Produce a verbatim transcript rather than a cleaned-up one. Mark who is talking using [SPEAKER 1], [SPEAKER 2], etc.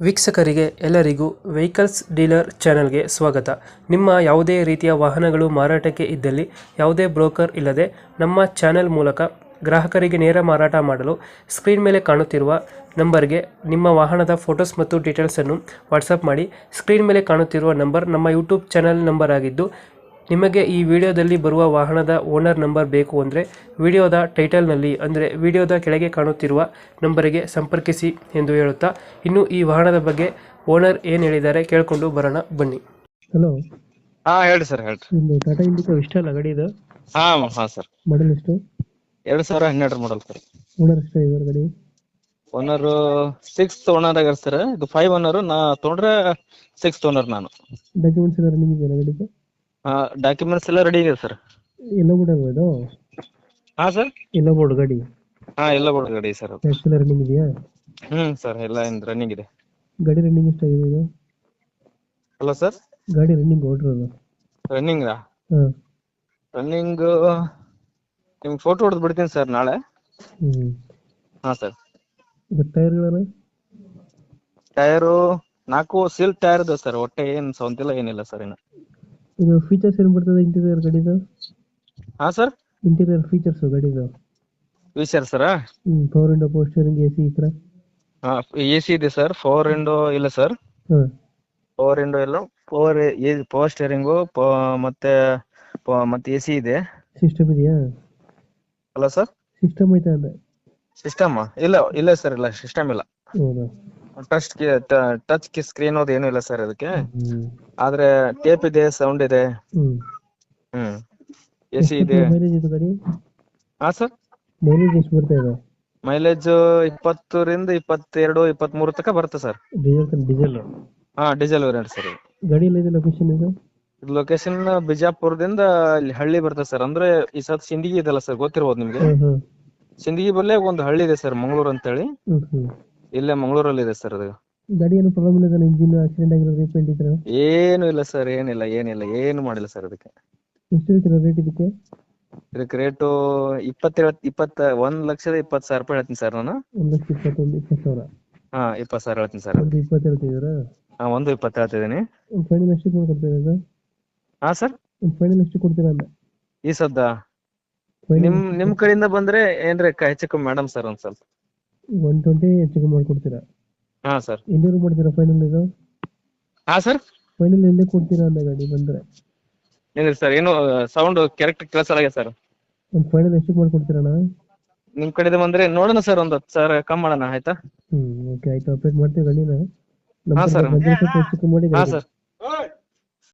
[SPEAKER 1] ವೀಕ್ಷಕರಿಗೆ ಎಲ್ಲರಿಗೂ vehicles dealer ಚಾನೆಲ್ಗೆ ಸ್ವಾಗತ. ನಿಮ್ಮ ಯಾವುದೇ ರೀತಿಯ ವಾಹನಗಳು ಮಾರಾಟಕ್ಕೆ ಇದ್ದಲ್ಲಿ ಯಾವುದೇ ಬ್ರೋಕರ್ ಇಲ್ಲದೆ ನಮ್ಮ ಚಾನೆಲ್ ಮೂಲಕ ಗ್ರಾಹಕರಿಗೆ ನೇರ ಮಾರಾಟ ಮಾಡಲು ಸ್ಕ್ರೀನ್ ಮೇಲೆ ಕಾಣುತ್ತಿರುವ ನಂಬರ್ಗೆ ನಿಮ್ಮ ವಾಹನದ ಫೋಟೋಸ್ ಮತ್ತು ಡೀಟೇಲ್ಸನ್ನು ವಾಟ್ಸಪ್ ಮಾಡಿ. ಸ್ಕ್ರೀನ್ ಮೇಲೆ ಕಾಣುತ್ತಿರುವ ನಂಬರ್ ನಮ್ಮ ಯೂಟ್ಯೂಬ್ ಚಾನೆಲ್ ನಂಬರ್ ಆಗಿದ್ದು, ನಿಮಗೆ ಈ ವಿಡಿಯೋದಲ್ಲಿ ಬರುವ ವಾಹನದ ಓನರ್ ನಂಬರ್ ಬೇಕು ಅಂದರೆ ವಿಡಿಯೋದ ಟೈಟಲ್ನಲ್ಲಿ ಅಂದರೆ ವಿಡಿಯೋದ ಕೆಳಗೆ ಕಾಣುತ್ತಿರುವ ನಂಬರಿಗೆ ಸಂಪರ್ಕಿಸಿ ಎಂದು ಹೇಳುತ್ತಾ, ಇನ್ನು ಈ ವಾಹನದ ಬಗ್ಗೆ ಓನರ್ ಏನು ಹೇಳಿದ್ದಾರೆ ಕೇಳಿಕೊಂಡು ಬರೋಣ ಬನ್ನಿ. ಹಲೋ,
[SPEAKER 2] ಹಾ ಹೇಳಿ ಸರ್ ಹೇಳ್ರಿ.
[SPEAKER 1] ನಿಮ್ದು ಟಾಟಾ ಇಂಡಿಕಾ ಇಷ್ಟ ಅಲ್ಲ ಗಾಡಿ ಇದು?
[SPEAKER 2] ಹಾ ಹಾ ಸರ್,
[SPEAKER 1] ಮಾಡಲ್ ಎಷ್ಟು?
[SPEAKER 2] ಎರಡ್ ಸಾವಿರ ಹನ್ನೆರಡರ ಮಾಡಲ್ ಸರ್.
[SPEAKER 1] ಓನರ್ ಎಷ್ಟು ಇದ್ದಾರೆ ಗಾಡಿ?
[SPEAKER 2] ಓನರ್ ಸಿಕ್ಸ್ ಓನರ್ ಆಗ್ಯಾರ ಸರ್. ಇದು ಫೈವ್ ಓನರ್, ನಾ ತೊಗೊಂಡ್ರೆ ಸಿಕ್ಸ್ ಓನರ್ ನಾನು.
[SPEAKER 1] ಡಾಕ್ಯುಮೆಂಟ್ಸ್ ಎಲ್ಲ ರನ್ನಿಂಗ್ ಇದೆಯಲ್ಲ ಗಾಡಿಗೆ?
[SPEAKER 2] ಹಾ ಡಾಕ್ಯುಮೆಂಟ್ಸ್ ಎಲ್ಲ ರೆಡಿ ಇದೆ ಸರ್.
[SPEAKER 1] ಎಲ್ಲ ಬೋರ್ಡ್ ಅಲ್ವಾ ಇದು?
[SPEAKER 2] ಹಾ ಸರ್,
[SPEAKER 1] ಎಲ್ಲ ಬೋರ್ಡ್ ಗಾಡಿ?
[SPEAKER 2] ಹಾ ಎಲ್ಲ ಬೋರ್ಡ್ ಗಾಡಿ ಸರ್.
[SPEAKER 1] ಟ್ಯಾಕ್ಸ್ ಎಲ್ಲ ರನ್ನಿಂಗ್ ಇದೆಯಾ?
[SPEAKER 2] ಹ್ಮ್ ಸರ್, ಎಲ್ಲ ರನ್ನಿಂಗ್ ಇದೆ.
[SPEAKER 1] ಗಾಡಿ ರನ್ನಿಂಗ್ ಎಷ್ಟಾಗಿದೆ ಇದು?
[SPEAKER 2] ಹಲೋ ಸರ್,
[SPEAKER 1] ಗಾಡಿ ರನ್ನಿಂಗ್ ಓಡಿರೋದು?
[SPEAKER 2] ರನ್ನಿಂಗ್
[SPEAKER 1] ಹಾಂ,
[SPEAKER 2] ರನ್ನಿಂಗ್ ನಿಮ್ಗೆ ಫೋಟೋ ಹೊಡೆದು ಬಿಡ್ತೀನಿ ಸರ್ ನಾಳೆ.
[SPEAKER 1] ಹ್ಞೂ.
[SPEAKER 2] ಹಾ ಸರ್.
[SPEAKER 1] ಇದು ಟೈರ್ಗಳನ್ನ?
[SPEAKER 2] ಟೈರು ನಾಲ್ಕು ಸೀಲ್ ಟೈರ್ ಇದೆ ಸರ್. ಒಟ್ಟೆ ಏನ್ ಸೌಂತಿಲ್ಲ, ಏನಿಲ್ಲ ಸರ್ ಇನ್ನು.
[SPEAKER 1] ಇದು ಫೀಚರ್ಸ್ ಏನು ಬರ್ತದೆ ಇಂಟೀರಿಯರ್ ಗಾಡಿದು?
[SPEAKER 2] ಹಾ ಸರ್,
[SPEAKER 1] ಇಂಟೀರಿಯರ್ ಫೀಚರ್ಸ್ ಗಾಡಿದು?
[SPEAKER 2] ವಿಚಾರ ಸರ್.
[SPEAKER 1] ಹ್ಞೂ, power window, power steering, A C ಈ ಥರ?
[SPEAKER 2] ಹಾ ಎ ಸಿ ಇದೆ ಸರ್. ಫೋರ್ ವಿಂಡೋ ಇಲ್ಲ ಸರ್.
[SPEAKER 1] ಹಾಂ,
[SPEAKER 2] ಪವರ್ ವಿಂಡೋ ಇಲ್ಲ. ಪವರ್ ಪವರ್ ಸ್ಟೇರಿಂಗು ಮತ್ತೆ ಪ- ಮತ್ತೆ ಎ ಸಿ ಇದೆ.
[SPEAKER 1] ಸಿಸ್ಟಮ್ ಇದೆಯಾ?
[SPEAKER 2] ಅಲ್ಲ ಸರ್,
[SPEAKER 1] ಸಿಸ್ಟಮ್ ಐತೆ ಅಂದೆ.
[SPEAKER 2] ಸಿಸ್ಟಮ್ ಇಲ್ಲ ಇಲ್ಲ ಸರ್, ಇಲ್ಲ ಸಿಸ್ಟಮ್ ಇಲ್ಲ.
[SPEAKER 1] ಹೌದಾ?
[SPEAKER 2] ಟಚ್ ಟಚ್ ಸ್ಕ್ರೀನ್ ಅದು ಏನೂ ಇಲ್ಲ ಸರ್ ಅದಕ್ಕೆ.
[SPEAKER 1] ಹ್ಞೂ.
[SPEAKER 2] ಆದ್ರೆ ಟೇಪ್ ಇದೆ, ಸೌಂಡ್ ಇದೆ.
[SPEAKER 1] ಹ್ಞೂ.
[SPEAKER 2] ಹ್ಮ್ ಎ ಸಿ ಇದೆ.
[SPEAKER 1] ಮೈಲೇಜ್ ಇದು ಗಾಡಿ?
[SPEAKER 2] ಹಾ ಸರ್,
[SPEAKER 1] ಮೈಲೇಜ್ ಎಷ್ಟು ಬರ್ತಾ ಇದೆ?
[SPEAKER 2] ಮೈಲೇಜ್ ಇಪ್ಪತ್ತರಿಂದ ಇಪ್ಪತ್ತೆರಡು ಇಪ್ಪತ್ತ್ ಮೂರು ತನಕ ಬರುತ್ತೆ ಸರ್.
[SPEAKER 1] ಡೀಸೆಲ್ ಡೀಸೆಲ್
[SPEAKER 2] ಹಾ ಡೀಸೆಲ್ ವೇರಿಯಂಟ್ ಸರ್. ಇದು
[SPEAKER 1] ಗಾಡಿ ಎಲ್ಲ ಇದೆ ಲೊಕೇಶನ್ ಇದು?
[SPEAKER 2] ಲೊಕೇಶನ್ ಬಿಜಾಪುರದಿಂದ ಇಲ್ಲಿ ಹಳ್ಳಿ ಬರ್ತದೆ ಸರ್. ಅಂದ್ರೆ ಈ ಸತ್ ಸಿಂದಗಿ ಇದೆಲ್ಲ ಸರ್, ಗೊತ್ತಿರ್ಬೋದು ನಿಮ್ಗೆ.
[SPEAKER 1] ಹಾಂ ಹಾಂ.
[SPEAKER 2] ಸಿಂದಗಿ ಬಲ್ಲೇ ಒಂದು ಹಳ್ಳಿ ಇದೆ ಸರ್, ಮಂಗಳೂರು ಅಂತೇಳಿ.
[SPEAKER 1] ಹ್ಞೂ ಹ್ಞೂ.
[SPEAKER 2] ಇಲ್ಲೇ ಮಂಗಳೂರಲ್ಲಿ ಇದೆ ಸರ್ ಅದು.
[SPEAKER 1] ಗಾಡಿ ಏನು ಪ್ರಾಬ್ಲಮ್ ಇಲ್ಲ ತಾನೆ? ಇಂಜಿನ್ ಆಕ್ಸಿಡೆಂಟ್ ಆಗಿರೋದು, ರೀಪೇಂಟ್ ಇದ್ರೆ?
[SPEAKER 2] ಏನು ಇಲ್ಲ ಸರ್, ಏನಿಲ್ಲ ಏನಿಲ್ಲ ಏನು ಮಾಡಿಲ್ಲ ಸರ್ ಅದಕ್ಕೆ.
[SPEAKER 1] ಎಷ್ಟು ಹೇಳ್ತೀರಾ ರೇಟ್ ಇದಕ್ಕೆ?
[SPEAKER 2] ಇದಕ್ಕೆ ರೇಟು ಇಪ್ಪತ್ತೇಳು ಇಪ್ಪತ್ತ ಒಂದ್ ಲಕ್ಷದ ಇಪ್ಪತ್ತು ಸಾವಿರ ರೂಪಾಯಿ ಹೇಳ್ತೀನಿ ಸರ್ ನಾನು.
[SPEAKER 1] ಒಂದು ಲಕ್ಷ ಇಪ್ಪತ್ತೊಂದು ಇಪ್ಪತ್ತು ಸಾವಿರ?
[SPEAKER 2] ಹಾ ಇಪ್ಪತ್ತು ಸಾವಿರ ಹೇಳ್ತೀನಿ ಸರ್.
[SPEAKER 1] ಒಂದು ಇಪ್ಪತ್ತು ಹೇಳ್ತಿದ್ದೀರಾ?
[SPEAKER 2] ಹಾ ಒಂದು ಇಪ್ಪತ್ತು ಹೇಳ್ತಿದ್ದೀನಿ.
[SPEAKER 1] ಒಂದು ಫೈನಲ್ ಎಷ್ಟು ಕೊಡ್ತೀರಾ ಇದು?
[SPEAKER 2] ಹಾ ಸರ್,
[SPEAKER 1] ಒಂದು ಫೈನಲ್ ಎಷ್ಟು ಕೊಡ್ತೀರಾ ಅಂದೆ?
[SPEAKER 2] ಈ ಸದ್ದ
[SPEAKER 1] ಫೈನಲ್
[SPEAKER 2] ನಿಮ್ ನಿಮ್ ಕಡೆಯಿಂದ ಬಂದ್ರೆ ಏನ್ರಿ ಹೆಚ್ಚು ಕಮ್ಮಿ ಮೇಡಮ್ ಸರ್ ಒಂದ್ ಸ್ವಲ್ಪ.
[SPEAKER 1] ಒನ್ ಟ್ವೆಂಟಿ ಹೆಚ್ಚು ಕಮ್ಮಿ ಮಾಡ್ಕೊಡ್ತೀರಾ?
[SPEAKER 2] ಹಾ ಸರ್.
[SPEAKER 1] ಎಲ್ಲಿವರೆಗೂ ಮಾಡ್ತೀರಾ ಫೈನಲ್ ಇದು?
[SPEAKER 2] ಹಾ ಸರ್,
[SPEAKER 1] ಫೈನಲ್ ಎಲ್ಲಿ ಕೊಡ್ತೀರಾ ಅಂದೆ ಗಾಡಿ ಬಂದರೆ?
[SPEAKER 2] ಏನಿಲ್ಲ ಸರ್, ಏನು ಸೌಂಡ್ ಕರೆಕ್ಟ್ ಕೇಳಿಸಲಾಗಿದೆ ಸರ್.
[SPEAKER 1] ಒಂದು ಫೈನಲ್ ಎಷ್ಟು ಮಾಡ್ಕೊಡ್ತೀರಣ್ಣ?
[SPEAKER 2] ನಿಮ್ ಕಡೆಯಿಂದ ಬಂದ್ರೆ ನೋಡೋಣ ಸರ್, ಒಂದ್ ಹತ್ತು ಸಾವಿರ ಕಮ್ಮಿ ಮಾಡೋಣ ಆಯ್ತಾ?
[SPEAKER 1] ಹ್ಞೂ, ಓಕೆ ಆಯಿತು. ಅಪ್ಡೇಟ್ ಮಾಡ್ತೀವಿ ಗಾಡಿನ. ನಮ್ಮ
[SPEAKER 2] ಹಾ
[SPEAKER 1] ಕಡೆ
[SPEAKER 2] ಸರ್.
[SPEAKER 1] ಬಂದರೆ ಸ್ವಲ್ಪ ಹೆಚ್ಚು ಕಮ್ಮಿ ಮಾಡಿ
[SPEAKER 2] ಹಾ
[SPEAKER 1] ಗಾಡಿ.
[SPEAKER 2] ಸರ್,